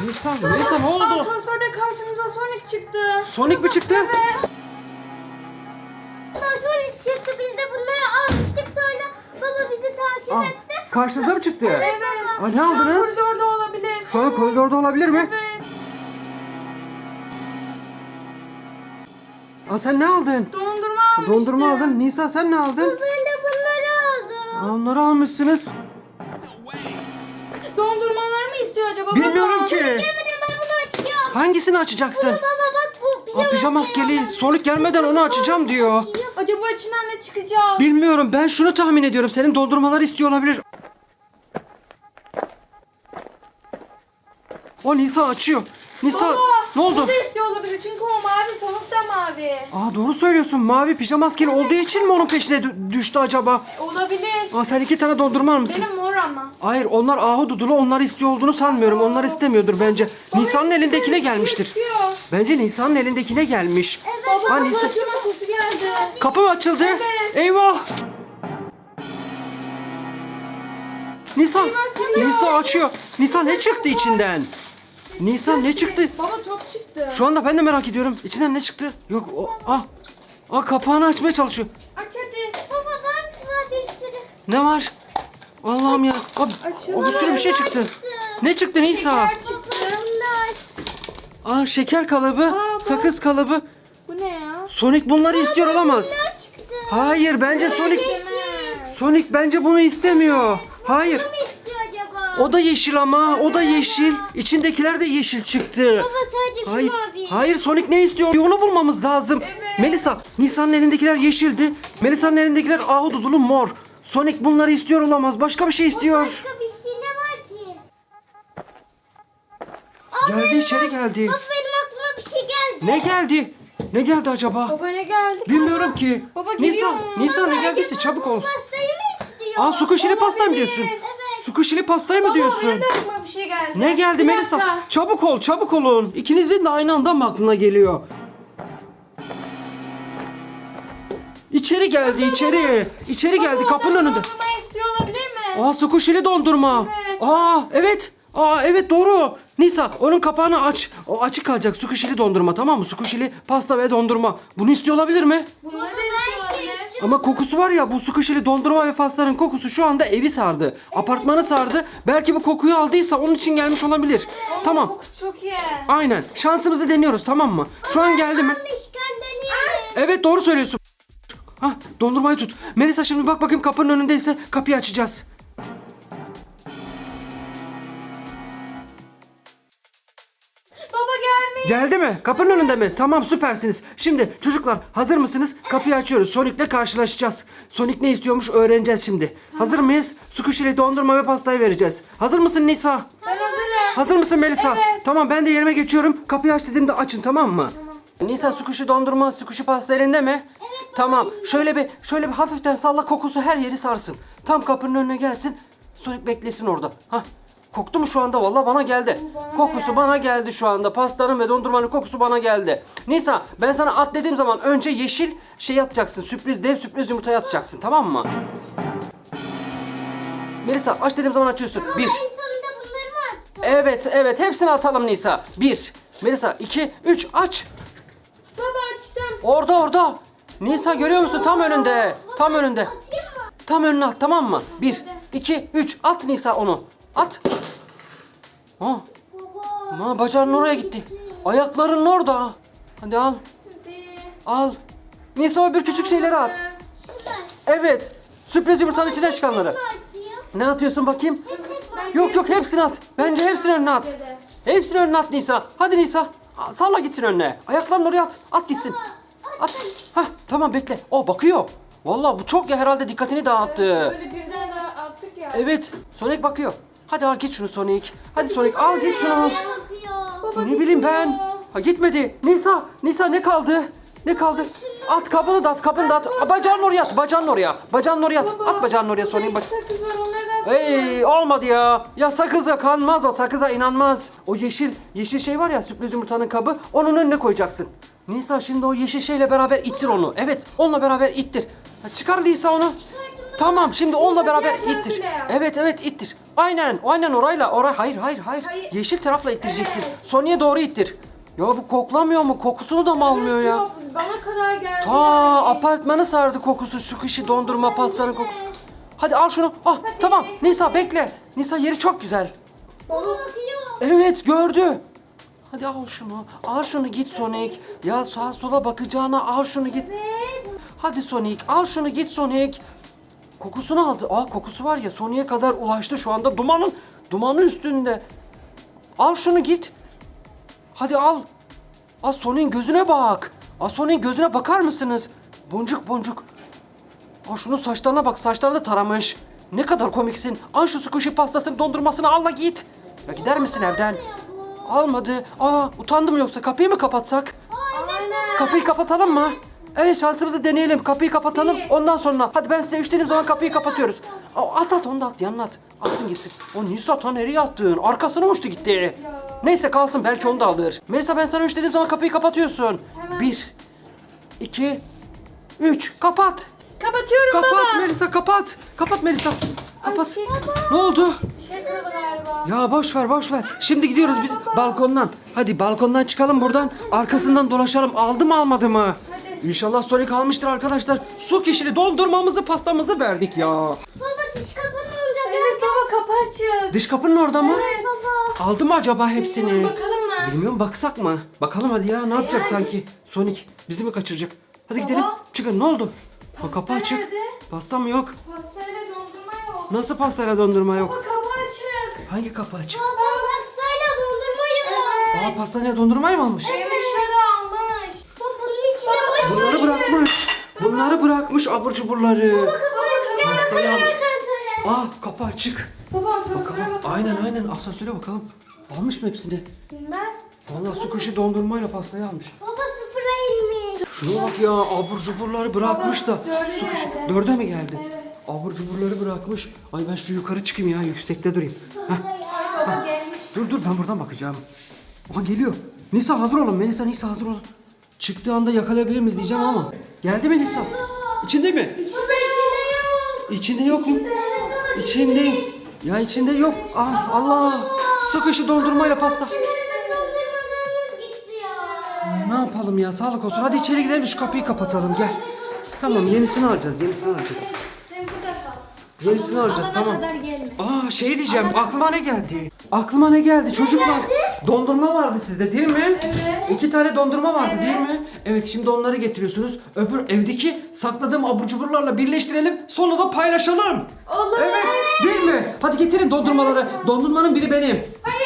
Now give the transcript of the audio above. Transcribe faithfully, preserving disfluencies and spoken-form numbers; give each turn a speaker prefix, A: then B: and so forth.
A: Nisa, Nisa ne oldu?
B: Asansörde karşımıza Sonic çıktı.
A: Sonic mi çıktı?
B: Evet.
C: Sonic çıktı. Biz de bunları almıştık, sonra baba bizi takip
A: Ah,
C: etti.
A: karşınıza mı çıktı?
B: Evet.
A: Aa, ne aldınız?
B: Şu an koridorda olabilir.
A: Şu an koridorda olabilir mi?
B: Evet.
A: Aa, sen ne aldın?
B: Dondurma almıştım.
A: Dondurma aldın. Nisa sen ne aldın?
C: Ben de bunları aldım.
A: Aa, onları almışsınız.
B: Dondurmalar mı istiyor acaba?
A: Bilmiyorum
B: baba?
A: ki.
C: Gelmeden ben bunu açacağım.
A: Hangisini açacaksın?
C: Baba bak, bu pijama,
A: Aa, pijama maskeli. Sonic gelmeden onu açacağım diyor.
B: Acaba içinden ne çıkacak?
A: Bilmiyorum, ben şunu tahmin ediyorum. Senin dondurmaları istiyor olabilir. O Nisa açıyor. Nisa
B: Baba,
A: ne oldu?
B: O da istiyor olabilir çünkü o mavi, Sonic da mavi.
A: Aa, doğru söylüyorsun. Mavi pijama maskeli olduğu için mi onun peşine dü- düştü acaba?
B: Olabilir.
A: Aa, sen iki tane dondurma almışsın.
B: Benim mor ama.
A: Hayır, onlar ahududulu, onlar istiyor olduğunu sanmıyorum. Onlar istemiyordur bence. Nisa'nın
B: Baba,
A: elindekine
B: çıkıyor,
A: gelmiştir.
B: çıkıyor.
A: Bence Nisa'nın elindekine gelmiş.
B: Baba
A: Aa,
B: kapı
A: Nisa-
B: açılma sesi geldi.
A: Kapı mı açıldı?
B: Evet.
A: Eyvah! Nisa,
B: açılıyor.
A: Nisa açıyor. Nisa ne çıktı içinden? Nisa ne çıktı?
B: Baba top çıktı.
A: Şu anda ben de merak ediyorum. İçinden ne çıktı? Yok, o, ah, ah kapağını açmaya çalışıyor.
B: Aç hadi.
C: Baba var var bir sürü.
A: Ne var? Allah'ım ya. Aa,
B: Açıldı.
A: o bir sürü bir şey çıktı. Ne çıktı Nisa?
B: Şeker çıktı.
C: Bunlar.
A: Aa, şeker kalıbı,
B: bak.
A: sakız kalıbı.
B: Bu ne ya?
A: Sonic bunları istiyor olamaz.
C: Bunlar çıktı.
A: Hayır, bence Sonic
B: Yeşil.
A: Sonic bence bunu istemiyor. Hayır.
C: Ne istiyor acaba?
A: O da yeşil ama, o da yeşil. İçindekiler de yeşil çıktı.
C: Baba sadece şu
A: Hayır.
C: mavi.
A: Hayır, Sonic ne istiyor? Onu bulmamız lazım.
B: Evet.
A: Melisa, Nisa'nın elindekiler yeşildi. Melisa'nın elindekiler ahududulu mor. Sonic bunları istiyor olamaz. Başka bir şey istiyor.
C: Başka bir şey ne var ki?
A: Geldi, içeri geldi.
C: Baba benim aklıma bir şey geldi.
A: Ne geldi? Ne geldi acaba?
B: Baba ne geldi?
A: Bilmiyorum ki.
B: Baba
A: Nisa,
B: geliyor mu?
A: Nisa ne
C: Baba,
A: geldiyse
C: acaba
A: çabuk
C: bu
A: ol.
C: Pastayı mı istiyor?
A: Aa, sukuşili pasta mı
B: Olabilir.
A: diyorsun?
C: Evet.
A: Sukuşili pastayı mı
B: Baba
A: diyorsun?
B: benim de aklıma bir şey geldi.
A: Ne geldi
B: Bir
A: Melisa?
B: dakika.
A: Çabuk ol, çabuk olun. İkinizin de aynı anda mı aklına geliyor? İçeri geldi, içeri. İçeri geldi,
B: Baba,
A: kapının
B: ondan
A: önünde.
B: dondurma istiyor olabilir mi?
A: Aa, sukuşili dondurma.
B: Evet.
A: Aa, evet. Aa, evet doğru. Nisa, onun kapağını aç. O açık kalacak. Sukuşili dondurma, tamam mı? Sukuşili pasta ve dondurma. Bunu istiyor olabilir mi?
B: Bunları da istiyor olabilir.
A: Ama kokusu var ya, bu sukuşili dondurma ve pastanın kokusu şu anda evi sardı. Apartmanı sardı. Belki bu kokuyu aldıysa onun için gelmiş olabilir. Tamam.
B: Kokusu çok iyi.
A: Aynen. Şansımızı deniyoruz, tamam mı? Şu an geldi mi?
C: Almışken deneyelim.
A: Evet, doğru söylüyorsun. Hah, dondurmayı tut. Melisa, şimdi bak bakayım kapının önündeyse kapıyı açacağız.
B: Baba gelmiş.
A: Geldi mi? Kapının önünde mi? Tamam, süpersiniz. Şimdi çocuklar hazır mısınız? Kapıyı açıyoruz. Sonic'le karşılaşacağız. Sonic ne istiyormuş öğreneceğiz şimdi. Hazır mıyız? Sukuşili dondurma ve pastayı vereceğiz. Hazır mısın Nisa?
B: Ben hazırım.
A: Hazır mısın Melisa?
B: Evet.
A: Tamam, ben de yerime geçiyorum. Kapıyı aç dediğimde açın, tamam mı? Nisa, sukuşi dondurma, sukuşi pasta elinde mi? Evet. Tamam. Şöyle bir şöyle bir hafiften salla, kokusu her yeri sarsın. Tam kapının önüne gelsin. Sonic beklesin orada. Hah. Koktu mu şu anda? Vallahi bana geldi. Kokusu bana geldi şu anda. Pastanın ve dondurmanın kokusu bana geldi. Nisa, ben sana at dediğim zaman önce yeşil şey atacaksın. Sürpriz, dev sürpriz yumurtayı atacaksın, tamam mı? Melisa, aç dediğim zaman açıyorsun. Bir.
C: En sonunda bunları mı atsın?
A: Evet, evet. Hepsini atalım Nisa. Bir. Melisa, iki, üç. Aç.
B: Baba açtım.
A: Orada, orada. Nisa, görüyor musun? Tam önünde. Tam önünde.
C: Atayım mı?
A: Tam önüne at, tamam mı? Bir, iki, üç. At Nisa onu. At. Ha,
C: Baba.
A: ha, bacağının oraya gitti. Ayakların orada. Hadi al.
B: Hadi.
A: Al. Nisa, öbür küçük şeyleri at.
C: Şunlar.
A: Evet. Sürpriz yumurtanın içinden çıkanları.
C: Ne atayım?
A: Ne atıyorsun bakayım?
B: Bence
A: Yok yok, hepsini at. Bence hepsini önüne at. Hepsini önüne at Nisa. Hadi Nisa. Aa, salla gitsin önüne. Ayaklarını oraya at. At gitsin. At. Hah, tamam, bekle. O bakıyor. Vallahi bu çok ya, herhalde dikkatini dağıttı.
B: Böyle birden daha attık ya.
A: Evet. Sonic bakıyor. Hadi al git şunu Sonic. Hadi Sonic al git şunu.
C: Nereye bakıyor?
B: Baba
A: Ne bileyim ben.
B: gitmiyor.
A: Ha, gitmedi. Nisa. Nisa ne kaldı? Ne kaldı? At kabını da at, kabını da at. Aa, bacağının oraya at. Bacağının oraya. Bacağının oraya at.
B: Baba,
A: At bacağının oraya
B: burada
A: Sonic.
B: iki
A: Bak.
B: sakız var, onları da atsana.
A: Hey, olmadı ya. Ya sakıza kanmaz o. Sakıza inanmaz. O yeşil yeşil şey var ya, sürpriz yumurtanın kabı. Onun önüne koyacaksın. Nisa, şimdi o yeşil şeyle beraber ittir onu. Evet, onunla beraber ittir. Ha, çıkar Nisa onu.
C: Çıkardım
A: Tamam şimdi onunla beraber
B: diğer
A: ittir.
B: tarafıyla yap.
A: Evet evet ittir. Aynen aynen orayla oray hayır hayır hayır.
B: Hayır.
A: Yeşil tarafla ittireceksin.
B: Evet.
A: Sony'e doğru ittir. Ya bu koklamıyor mu? Kokusunu da mı almıyor ya?
B: Yok, bana kadar geldi.
A: Ta apartmanı sardı kokusu. Sushi dondurma pastanın kokusu. Hadi al şunu. Ah tamam. Nisa bekle. Nisa yeri çok güzel.
C: Baba bakıyor.
A: Evet gördü. Hadi al şunu. Al şunu git Sonic. Ya sağa sola bakacağına al şunu git. Hadi Sonic al şunu git Sonic. Kokusunu aldı. Aa kokusu var ya Sonic'e kadar ulaştı şu anda. Dumanın dumanın üstünde. Al şunu git. Hadi al. Al Sonic'in gözüne bak. Al Sonic'in gözüne bakar mısınız? Boncuk boncuk. Al şunun saçlarına bak. Saçlarını da taramış. Ne kadar komiksin. Al şu squishy pastasının dondurmasını al da git. Ya gider misin evden? Almadı. Aa utandım yoksa kapıyı mı kapatsak?
B: Aynen.
A: Kapıyı kapatalım mı? Evet şansımızı deneyelim. Kapıyı kapatalım.
B: İyi.
A: Ondan sonra. Hadi ben size üç dediğim zaman kapıyı kapatıyoruz. Aa, at at onu da at yanına at. Atsın gitsin. O Nisa ta nereye attın? Arkasına uçtu gitti. Neyse kalsın belki onu da alır. Melisa ben sana üç dediğim zaman kapıyı kapatıyorsun.
B: Hemen.
A: Bir. iki, Üç. Kapat.
B: Kapatıyorum
A: Kapat
B: baba.
A: Melisa kapat. Kapat Melisa. Kapat.
B: şey-
A: Ne oldu?
B: Bir şey kırıldı galiba.
A: Ya boş ver boş ver. Şimdi gidiyoruz biz balkondan. Hadi balkondan çıkalım buradan. Arkasından dolaşalım. Aldı mı almadı mı?
B: Hadi.
A: İnşallah Sonic almıştır arkadaşlar. Su kişili dondurmamızı pastamızı verdik ya.
C: Baba diş kapının orada.
B: Evet baba kapı açık.
A: Dış kapının orada mı?
B: Evet baba.
A: Aldı mı acaba hepsini?
B: Bilmiyorum, bakalım mı?
A: Bilmiyorum baksak mı? Bakalım hadi ya ne yapacak
B: hadi.
A: sanki? Sonic bizi mi kaçıracak? Hadi
B: Baba.
A: gidelim. Çıkın ne oldu? Ha, kapı
B: Pasta
A: açık.
B: nerede?
A: Pasta mı yok?
B: Pastayla dondurma yok.
A: Nasıl pastayla dondurma
B: Baba
A: yok?
B: kapı açık.
A: Hangi kapı açık?
C: Baba pastayla dondurma yok.
B: Evet.
A: Aa pastaneye dondurmayı mı almış?
B: Yemiş ya da almış.
C: Baba bunun içine
B: Baba,
C: boş.
A: Bunları bırakmış. Bunları bırakmış abur cuburları. Pastayı almış.
C: Asansöre.
A: Aa kapı açık.
B: Baba asansöre
A: Bakalım.
B: bakalım.
A: Aynen aynen asansöre bakalım. Almış mı hepsini?
B: Bilmem.
A: Vallahi su kuşu dondurmayla pastayı almış.
C: Baba sıfıra inmiş.
A: Şuna bak ya abur cuburları bırakmış da.
B: dörde
A: Su kuşu
B: geldi.
A: dörde mi geldi?
B: Evet.
A: Abur cuburları bırakmış. Ay ben şu yukarı çıkayım ya yüksekte durayım. Heh.
B: Ay baba gelmiş.
A: Dur dur ben buradan bakacağım. Aha geliyor. Nisa hazır olun. Melisa Nisa hazır olun. Çıktığı anda yakalayabilir miyiz diyeceğim ama. Geldi mi Nisa? İçinde mi?
B: İçinde içinde yok.
A: İçinde yok mu? İçinde. Ya içinde yok. Ah Allah. Su kuşu dondurmayla pasta.
C: Dondurmalarımız gitti ya.
A: Ne yapalım ya sağlık olsun. Hadi içeri gidelim şu kapıyı kapatalım gel. Tamam yenisini alacağız yenisini alacağız.
B: Sen burada kal.
A: Yenisini alacağız tamam.
C: kadar gelme.
A: Aa şey diyeceğim aklıma ne geldi? Aklıma ne geldi çocuklar? Dondurma vardı sizde değil mi?
B: Evet.
A: İki tane dondurma vardı
B: Evet.
A: değil mi? Evet şimdi onları getiriyorsunuz. Öbür evdeki sakladığım abur cuburlarla birleştirelim. Sonra da paylaşalım.
B: Olur.
A: Evet değil mi? Hadi getirin dondurmaları. Dondurmanın biri benim.
B: Hayır